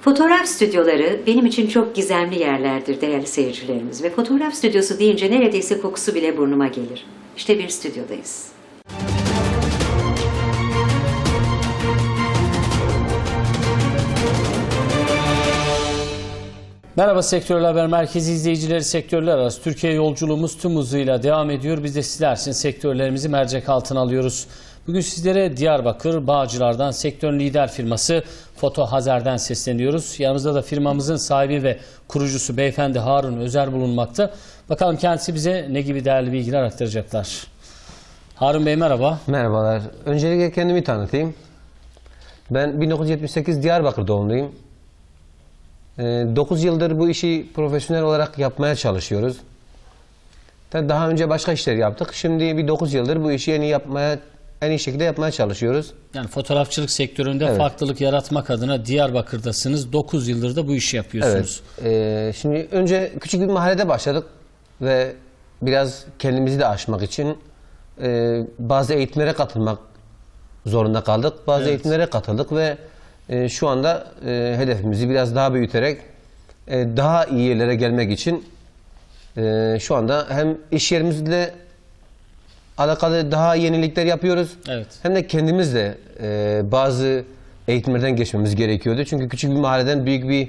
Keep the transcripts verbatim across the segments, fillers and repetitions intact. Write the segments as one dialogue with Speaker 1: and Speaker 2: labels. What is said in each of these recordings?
Speaker 1: Fotoğraf stüdyoları benim için çok gizemli yerlerdir değerli seyircilerimiz ve fotoğraf stüdyosu deyince neredeyse kokusu bile burnuma gelir. İşte bir stüdyodayız.
Speaker 2: Merhaba Sektörler Haber Merkezi izleyicileri, sektörler arası Türkiye yolculuğumuz tüm hızıyla devam ediyor. Biz de sizler için sektörlerimizi mercek altına alıyoruz. Bugün sizlere Diyarbakır Bağcılar'dan sektörün lider firması Foto Hazer'den sesleniyoruz. Yanımızda da firmamızın sahibi ve kurucusu beyefendi Harun Özer bulunmakta. Bakalım kendisi bize ne gibi değerli bilgiler aktaracaklar. Harun Bey merhaba.
Speaker 3: Merhabalar. Öncelikle kendimi tanıtayım. Ben bin dokuz yüz yetmiş sekiz Diyarbakır doğumluyum. dokuz yıldır bu işi profesyonel olarak yapmaya çalışıyoruz. Daha önce başka işler yaptık. Şimdi bir dokuz yıldır bu işi en iyi yapmaya, en iyi şekilde yapmaya çalışıyoruz.
Speaker 2: Yani fotoğrafçılık sektöründe evet, farklılık yaratmak adına Diyarbakır'dasınız. dokuz yıldır da bu işi yapıyorsunuz.
Speaker 3: Evet. Ee, şimdi önce küçük bir mahallede başladık ve biraz kendimizi de aşmak için e, bazı eğitimlere katılmak zorunda kaldık. Bazı evet. eğitimlere katıldık ve e, şu anda e, hedefimizi biraz daha büyüterek e, daha iyi yerlere gelmek için e, şu anda hem iş yerimizle alakalı daha yenilikler yapıyoruz. Evet. Hem de kendimiz de e, bazı eğitimlerden geçmemiz gerekiyordu. Çünkü küçük bir mahalleden büyük bir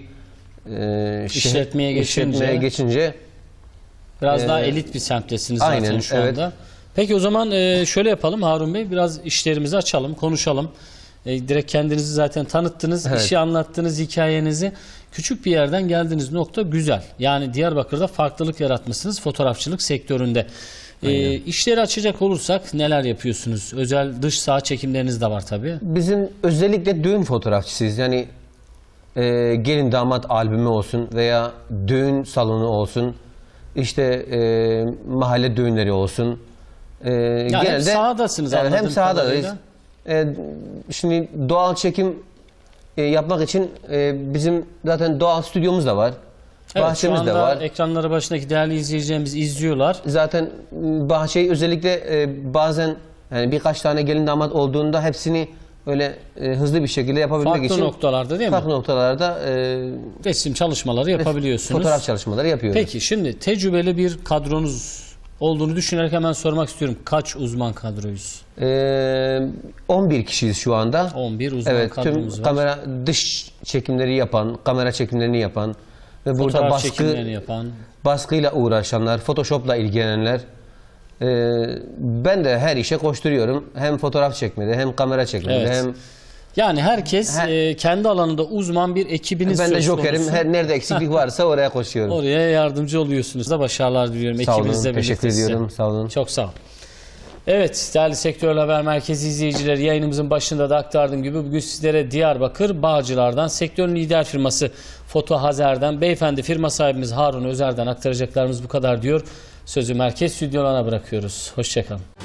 Speaker 3: e,
Speaker 2: işletmeye,
Speaker 3: şehir,
Speaker 2: geçince,
Speaker 3: işletmeye geçince
Speaker 2: biraz e, daha
Speaker 3: e,
Speaker 2: elit bir semttesiniz zaten
Speaker 3: aynen,
Speaker 2: şu
Speaker 3: evet.
Speaker 2: anda. Peki o zaman e, şöyle yapalım Harun Bey, biraz işlerimizi açalım, konuşalım. E, direkt kendinizi zaten tanıttınız, evet. işi anlattınız, hikayenizi. Küçük bir yerden geldiğiniz nokta güzel. Yani Diyarbakır'da farklılık yaratmışsınız fotoğrafçılık sektöründe. E, işleri açacak olursak neler yapıyorsunuz? Özel dış saha çekimleriniz de var tabii.
Speaker 3: Bizim özellikle düğün fotoğrafçısıyız. Yani e, gelin damat albümü olsun veya düğün salonu olsun, işte e, mahalle düğünleri olsun. E,
Speaker 2: yani genelde, hem sahadasınız
Speaker 3: yani
Speaker 2: anladığım
Speaker 3: hem sahadayız.
Speaker 2: kadarıyla.
Speaker 3: E, şimdi doğal çekim e, yapmak için e, bizim zaten doğal stüdyomuz da var.
Speaker 2: Evet,
Speaker 3: bahçemiz
Speaker 2: şu anda
Speaker 3: de var.
Speaker 2: Ekranları başındaki değerli izleyicilerimiz izliyorlar.
Speaker 3: Zaten bahçeyi özellikle e, bazen yani birkaç tane gelin damat olduğunda hepsini öyle e, hızlı bir şekilde yapabilmek
Speaker 2: farklı
Speaker 3: için
Speaker 2: farklı noktalarda değil mi?
Speaker 3: Farklı noktalarda e,
Speaker 2: resim çalışmaları yapabiliyorsunuz.
Speaker 3: Fotoğraf çalışmaları yapıyoruz.
Speaker 2: Peki şimdi tecrübeli bir kadronuz olduğunu düşünerek hemen sormak istiyorum. Kaç uzman kadroyuz?
Speaker 3: Ee, on bir kişiyiz şu anda.
Speaker 2: on bir uzman
Speaker 3: evet,
Speaker 2: kadromuz
Speaker 3: tüm
Speaker 2: var.
Speaker 3: Kamera dış çekimleri yapan, kamera çekimlerini yapan ve burada
Speaker 2: fotoğraf
Speaker 3: baskı
Speaker 2: çekimlerini yapan,
Speaker 3: baskıyla uğraşanlar, Photoshop'la ilgilenenler. Ee, ben de her işe koşturuyorum. Hem fotoğraf çekmede, hem kamera çekmede,
Speaker 2: evet.
Speaker 3: hem
Speaker 2: yani herkes her, e, kendi alanında uzman bir ekibiniz söz konusu.
Speaker 3: Ben de jokerim. Her nerede eksiklik varsa oraya koşuyorum.
Speaker 2: Oraya yardımcı oluyorsunuz da başarılar diliyorum.
Speaker 3: Sağ olun,
Speaker 2: ekibinizle
Speaker 3: teşekkür
Speaker 2: birlikte
Speaker 3: ediyorum.
Speaker 2: size.
Speaker 3: Sağ olun.
Speaker 2: Çok sağ olun. Evet değerli Sektörler Haber Merkezi izleyicileri, yayınımızın başında da aktardığım gibi bugün sizlere Diyarbakır Bağcılar'dan sektörün lider firması Foto Hazer'den beyefendi firma sahibimiz Harun Özer'den aktaracaklarımız bu kadar diyor. Sözü merkez stüdyolarına bırakıyoruz. Hoşçakalın.